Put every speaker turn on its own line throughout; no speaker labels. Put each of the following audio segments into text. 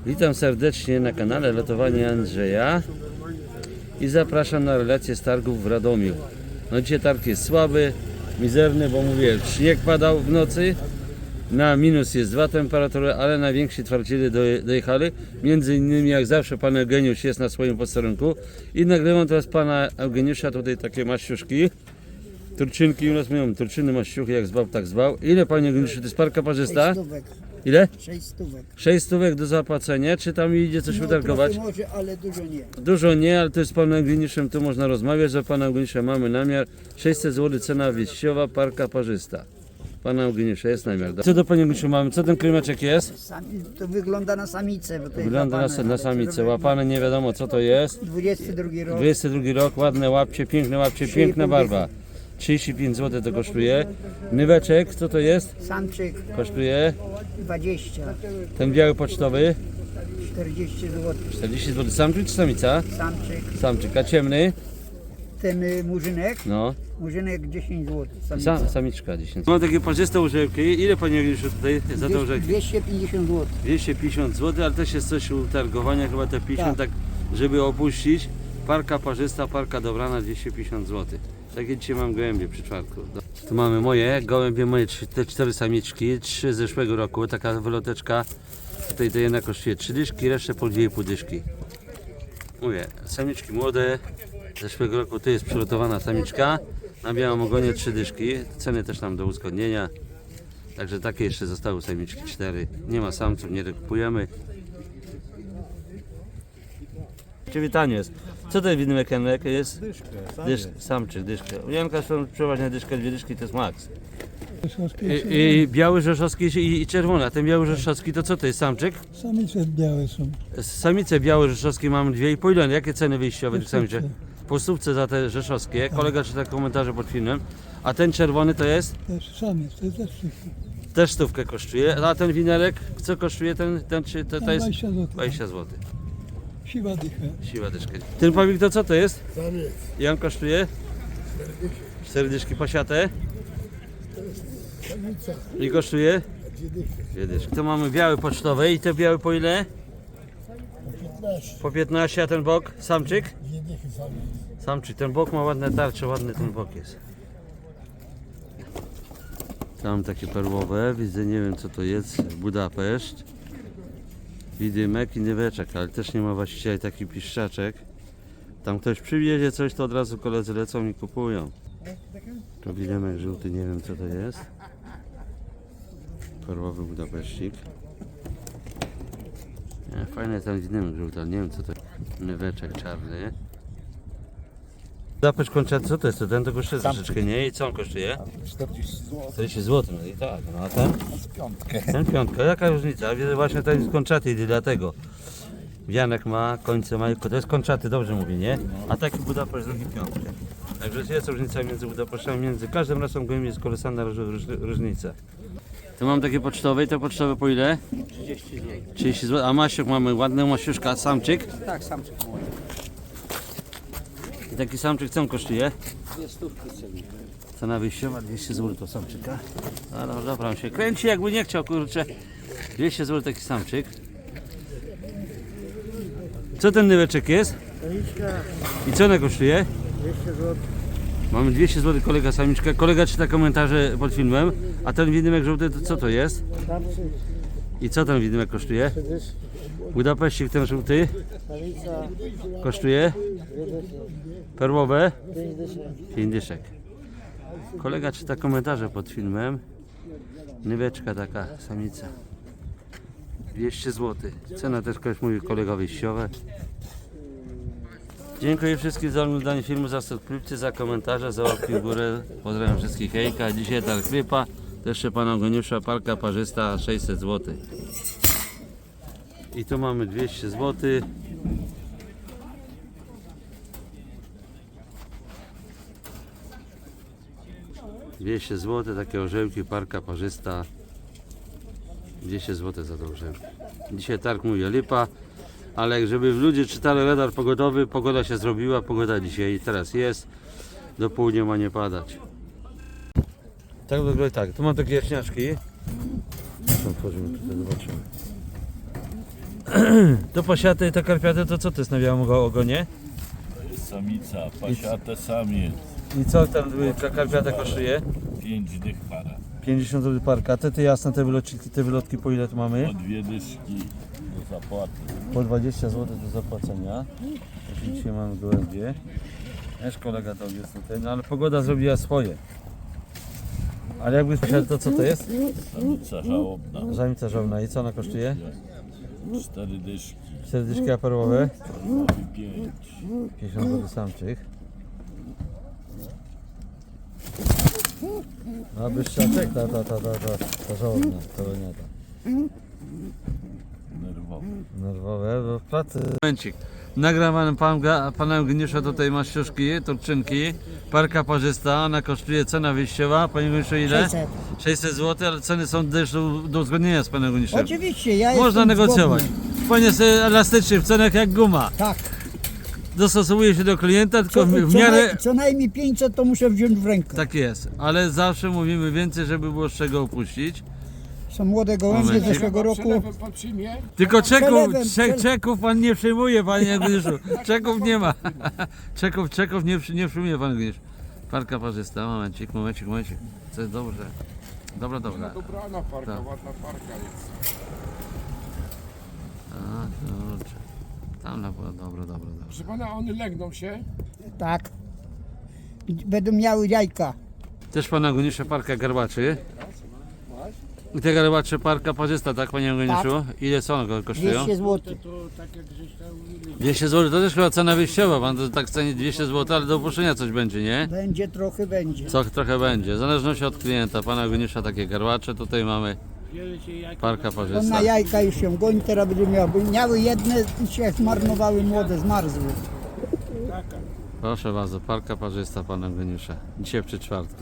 Witam serdecznie na kanale Lotowanie Andrzeja i zapraszam na relację z targów w Radomiu. No dzisiaj targ jest słaby, mizerny, bo mówię, śnieg padał w nocy, na minus jest 2 temperatury, ale najwięksi twardziele dojechali. Między innymi jak zawsze pan Eugeniusz jest na swoim posterunku i nagrywam teraz pana Eugeniusza, tutaj takie maściuszki. Turczynki, u nas mówią turczyny, maściuchy, jak zwał, tak zwał. Ile panie Eugeniuszu, to jest parka parzysta?
6 stówek.
Ile?
6 stówek.
6 stówek do zapłacenia, czy tam idzie coś wytargować?
Trochę może, ale dużo nie.
Dużo nie, ale to jest z panem Eugeniuszem, tu można rozmawiać, że pana Eugeniusza mamy namiar. 600 zł cena wyjściowa, parka parzysta. Pana Eugeniusza jest namiar. Co do panie Eugeniuszu mamy? Co ten krymeczek jest?
To wygląda na samicę. Bo to
Wygląda
jest łapane,
na
ale
samicę,
to
łapane nie wiadomo co to jest.
22 rok.
22 rok, ładne łapcie, piękne łapcie, piękna barwa. 35 zł to kosztuje. Nyweczek, co to jest?
Samczyk
Kosztuje.
20,
Ten biały pocztowy,
40 zł.
40 zł. Samczyk czy samica?
Samczyk.
Samczyk, a ciemny?
Ten murzynek.
No.
Murzynek 10 zł.
Samiczka 10. Mam takie parzyste orzełki. Ile panie Eugeniuszu tutaj za te orzechy?
250 zł.
250 zł, ale też jest coś utargowania, chyba te 50, tak żeby opuścić. Parka parzysta, parka dobrana 250 zł. Takie dzisiaj mam gołębie przy czwartku. Tu mamy moje gołębie, moje te 4 samiczki, 3 z zeszłego roku, taka wyloteczka. Tutaj to jedna kosztuje 3 dyszki, resztę po 2,5 dyszki. Mówię, samiczki młode, z zeszłego roku to jest przygotowana samiczka. Na białym ogonie 3 dyszki, ceny też nam do uzgodnienia. Także takie jeszcze zostały samiczki 4. Nie ma samców, nie kupujemy. Przywitanie jest. Co to widymek Janek jest? Samczyk, dyszkę. U Janka są przeważnie dyszkę, 2 dyszki to jest maks. I biały rzeszowski i czerwony. A ten biały rzeszowski to co to jest? Samczyk?
Samice białe są.
Samice białe rzeszowskie mamy 2,5 ile? Jakie ceny wyjściowe tych samiczek? Po stówce za te rzeszowskie. Kolega czyta komentarze pod filmem. A ten czerwony to jest?
Też samiec, to jest też wszystko.
Też stówkę kosztuje. A ten winerek, co kosztuje ten czy to jest?
20 zł.
20 zł.
Siwa dycha.
Siła dyszka. Ten pawik to co to jest?
Samiec.
I on kosztuje? 4 dyszki pasiate.
Samica.
I kosztuje?
2 dychy.
2 dyszki. To mamy biały pocztowy i te białe po ile?
15.
Po 15, a ten bok? Samczyk?
2 dychy samiec.
Samczyk. Ten bok ma ładne tarcze, ładny ten bok jest. Tam takie perłowe, widzę, nie wiem co to jest, Budapeszt. Widymek i nyweczek, ale też nie ma właściwie taki piszczaczek. Tam ktoś przywiezie coś, to od razu koledzy lecą i kupują. To widymek żółty, nie wiem co to jest. Perłowy Budapeszcik. Nie, fajny ten widymek żółty, ale nie wiem co to jest. Nyweczek czarny. Budapeszt kończę, co to jest? To ten to kosztuje troszeczkę, nie? I co on kosztuje?
40 zł.
40 zł, no i tak, no a ten?
Z piątkę.
Ten piątka, jaka różnica? Widzę właśnie ten jest kończaty, dlatego. Wianek ma, końce ma, to jest kończaty, dobrze mówię, nie? A taki Budapeszt drugi piątkę. Także jest różnica między Budapesztem, między każdym rasą gołębi jest kolosalna różnica. Tu mam takie pocztowe i te pocztowe po ile?
30 zł.
30 zł, a maściuk mamy ładny, maściuszka, a samczyk?
Tak, samczyk młody.
I taki samczyk co on kosztuje?
2 stówki ceny.
Cena wyjściowa 200 zł to samczyka. A no dobra, on się kręci jakby nie chciał, kurczę. 200 zł taki samczyk. Co ten nyweczek jest?
Samiczka
I co ona kosztuje?
200 zł.
Mamy 200 zł kolega samiczka. Kolega czyta komentarze pod filmem. A ten widymek żółty to co to jest?
Samczyk,
I co ten widymek kosztuje? Budapeszcik ten żółty
samica,
kosztuje? Perłowe?
5 dyszek.
5 dyszek. Kolega czyta komentarze pod filmem. Nyweczka taka samica. 200 zł. Cena też ktoś mówi kolega wyjściowe. Dziękuję wszystkim za oglądanie filmu, za subskrypcję, za komentarze, za łapki w górę. Pozdrawiam wszystkich, hejka. Dzisiaj targ rypa. To jeszcze pana Eugeniusza, parka parzysta 600 zł. I tu mamy 200 zł. $200 takie orzełki, parka parzysta. 200 zł za to orzełki. Dzisiaj targ mówię lipa, ale żeby ludzie czytali radar pogodowy, pogoda się zrobiła, pogoda dzisiaj teraz jest, do południa ma nie padać. Tak wygląda tak, tu mam takie jaśniaczki. Otworzymy tutaj, zobaczymy. To pasiate i te karpiate, to co to jest na białym ogonie?
Samica, pasiate samiec,
I co tam karpiata kosztuje?
5 dych para.
50 zł parka. Te jasne, te wylotki po ile tu mamy?
Po 2 dyszki do zapłaty.
Po 20 zł do zapłacenia. Dzisiaj mamy gołębie. Też kolega to jest tutaj, no ale pogoda zrobiła swoje. Ale jakby sprzedał, to co to jest?
Samica żałobna,
Żamica żołna. I co ona kosztuje?
4 dyszki,
4 dyszki aparowe.
nowy 5.
50 zł samczyk. A byszczaczek, ta żołna, to nie ta.
Nerwowy.
Nerwowe, bo w pracy. Momencik. Nagrałem pana Eugeniusza, tutaj masz ciuszki, turczynki, parka parzysta, ona kosztuje, cena wyjściowa, panie Eugeniuszu ile?
600.
600 zł, ale ceny są też do uzgodnienia z panem Eugeniuszem.
Oczywiście, ja
Można
jestem
negocjować.
zgodny.
Pan jest elastyczny w cenach jak guma.
Tak.
Dostosowuje się do klienta, tylko w miarę...
Co najmniej 500 to muszę wziąć w rękę.
Tak jest, ale zawsze mówimy więcej, żeby było z czego upuścić.
Są młode gołębie z
Momencik.
zeszłego roku.
Tylko
Przelewem,
czeków pan nie przyjmuje, panie Eugeniuszu. Czeków nie ma. Czeków nie przyjmuje pan Eugeniusz. Parka parzysta, momencik. To jest dobrze. Dobra.
Dobrana parka,
Tak.
ładna parka jest.
A, kurczę. Tam na było, dobra.
Proszę pana, one legną się.
Tak. Będą miały jajka.
Też pana Eugeniusza parka garbaczy. I te garbacze parka parzysta, tak panie Eugeniuszu? Ile co one kosztują?
200 zł.
200 zł, to też chyba cena wyjściowa, pan to tak ceni 200 zł, ale do opuszczenia coś będzie, nie?
Będzie trochę, będzie.
Co trochę będzie, w zależności od klienta. Pana Eugeniusza takie garbacze, tutaj mamy parka
On
parzysta.
na jajka już się goni, teraz będzie miał. Bo miały jedne i się zmarnowały młode, zmarzły.
Proszę bardzo, parka parzysta pana Eugeniusza. Dzisiaj przy czwartku.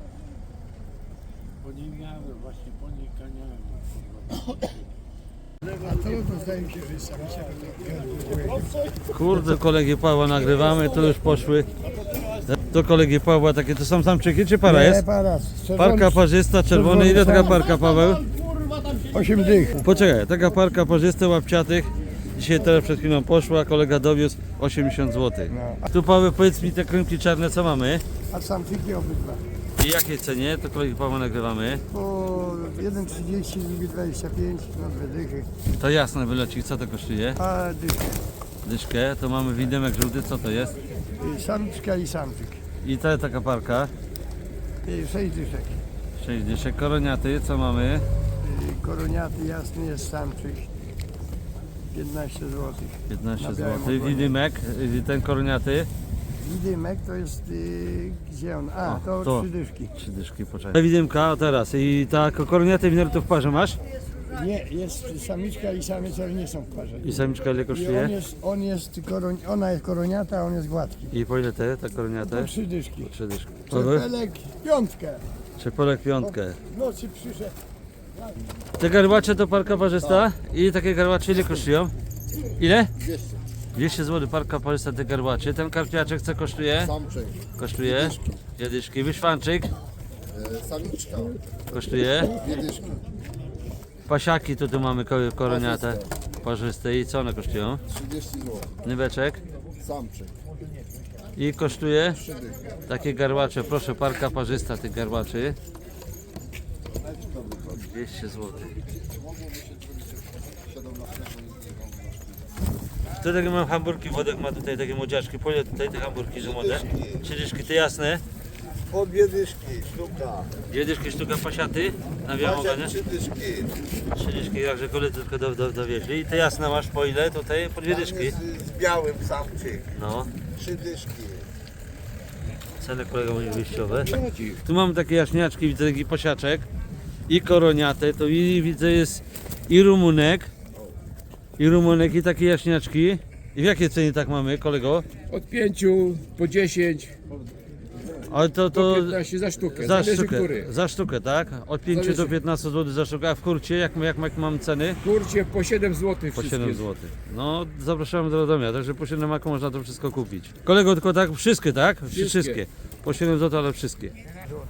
Kurde, kolegi Pawła nagrywamy, to już poszły. Do kolegi Pawła takie, to są samczyki czy para jest? Parka parzysta, czerwony. Ile taka parka, Paweł?
8 dych.
Poczekaj, taka parka parzysta łapciatych. Dzisiaj teraz przed chwilą poszła, kolega dowiózł 80 zł. Tu Paweł, powiedz mi te krymki czarne co mamy?
A samczyki obydwa.
I jakiej cenie? To kolegi Pawła nagrywamy.
Po 1,30, drugi 25, no 2 dychy.
To jasne wyleci, co to kosztuje?
A dychy.
Dyszkę, to mamy widemek żółty, co to jest?
Samiczka i samczyk.
I ta taka parka,
6 dyszek.
6 dyszek, koroniaty, co mamy?
Koroniaty jasny jest samczyk. 15 zł.
15
Na białym
zł.
ogonie.
Widymek, ten koroniaty,
Widymek to jest, gdzie on? A,
O,
to
to.
3 dyszki.
3 dyszki, poczekaj. Widymka, o teraz, i ta koroniaty winery to w parze masz?
Nie, jest samiczka i samiec, ale nie są w parze.
I samiczka ile
I
kosztuje?
ona jest koroniata, a on jest gładki.
I po ile te, ta
To
koroniate?
3 dyszki.
3 dyszki. Co wy?
Czerpelek, piątkę.
Czepolek piątkę.
W nocy przyszedł.
Te garbacze to parka parzysta? I takie garbacze ile kosztują? Ile? 200 zł parka parzysta te garbacze. Ten karpiaczek co kosztuje?
Samczyk,
Kosztuje? Jadyszki. Wyszwanczyk
samiczka,
kosztuje?
2 dyszki,
Pasiaki tu mamy koroniate parzyste i co one kosztują?
30 zł,
Nyweczek
samczyk,
i kosztuje
3 dychy.
takie garbacze, proszę parka parzysta tych garbaczy 200 zł. Tu takie mam hamburki, Wodek ma tutaj takie młodziaczki, po ile tutaj te hamburki, że młode? 3 dyszki, te jasne?
Po 2 dyszki, sztuka,
2 dyszki sztuka pasiaty na białym ogonie?
3 dyszki,
3 dyszki, także koledzy tylko dowieźli. I te jasne masz po ile tutaj? Po 2 dyszki.
jest z białym samczyk,
No.
3 dyszki.
Ceny kolega mówi wyjściowe. Tu mamy takie jaśniaczki, widzę taki pasiaczek i koroniate, to i widzę jest i rumunek i takie jaśniaczki. I w jakiej cenie tak mamy, kolego?
Od 5 po 10,
Ale
po 15 za sztukę. Zależy który.
za sztukę, tak? Od 5
Zależy.
do 15 zł za sztukę, a w kurcie jak mam ceny?
Kurcie po 7 zł
Po
wszystkie.
7 zł. No, zapraszamy do Radomia, także po 7 maku można to wszystko kupić. Kolego, tylko tak, wszystkie, tak?
Wszystkie.
Po 7 zł, ale wszystkie.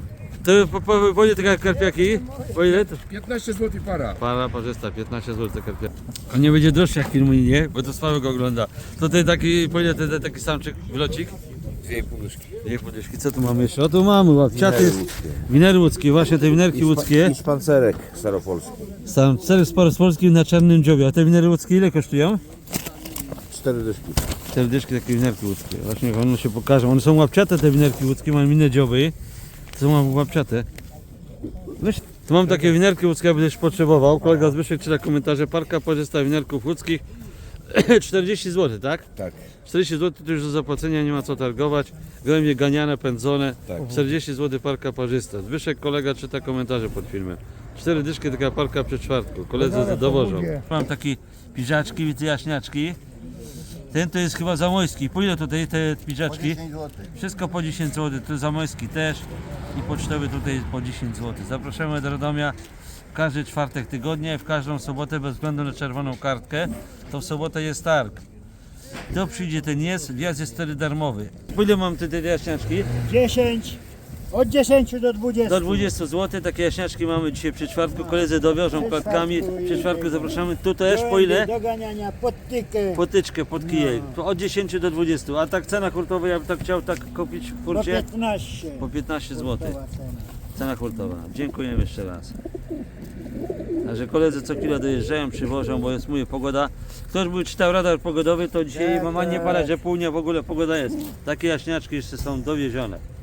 To po ile takie karpiaki? Po ile to?
15 zł para.
Para parzysta, 15 zł karpiaki. A nie będzie droższy jak filmu, nie? Bo to Sławek ogląda. To ten taki, po ile ten taki samczyk, wlocik?
2,5 dyszki.
Dwie podyszki. Co tu mamy jeszcze? O tu mamy łapciaty. Winery łódzkie, właśnie te winerki łódzkie.
I szpancerek staropolski.
Samcery z Polski na czarnym dziobie. A te winery łódzkie ile kosztują?
4 dyszki.
Te dyszki, takie winerki łódzkie. Właśnie one się pokażą. One są łapciate te winerki łódzkie, mają inne dzioby. To są łapciate. Weź. Tu mam takie winerki łódzkie, jakbyś potrzebował. Kolega Zbyszek czyta komentarze. Parka parzysta winerków łódzkich. 40 zł, tak?
Tak.
40 zł to już do zapłacenia, nie ma co targować. Gołębie ganiane, pędzone.
Tak.
40 zł parka parzysta. Zbyszek kolega czyta komentarze pod filmem. 4 dyszki taka parka przy czwartku. Koledzy dowożą. Mam takie piżaczki, widzę jaśniaczki. Ten to jest chyba zamojski. Po ile tutaj te piżaczki?
10 zł.
Wszystko po 10 zł. To zamojski też. I pocztowy tutaj po 10 zł. Zapraszamy do Radomia w każdy czwartek tygodnia i w każdą sobotę bez względu na czerwoną kartkę. To w sobotę jest targ. Kto przyjdzie, ten jest. Wjazd jest wtedy darmowy. Po ile mam te jaśniaczki?
10, od 10 do 20.
Do 20 zł. Takie jaśniaczki mamy dzisiaj przy czwartku. Koledzy dowiążą klatkami. Przy czwartku zapraszamy. Tu też po ile?
Do ganiania, podtykę.
Potyczkę pod kijej. To od 10 do 20. A tak cena hurtowa, ja bym tak chciał tak kupić w
Po
hurcie?
15.
Po 15 zł.
Gotowa cena.
Cena hurtowa. Dziękujemy jeszcze raz. Także koledzy co chwilę dojeżdżają, przywożą, bo jest mówię pogoda. Ktoś by czytał radar pogodowy, to dzisiaj mama nie pada, że pół dnia w ogóle pogoda jest. Takie jaśniaczki jeszcze są dowiezione.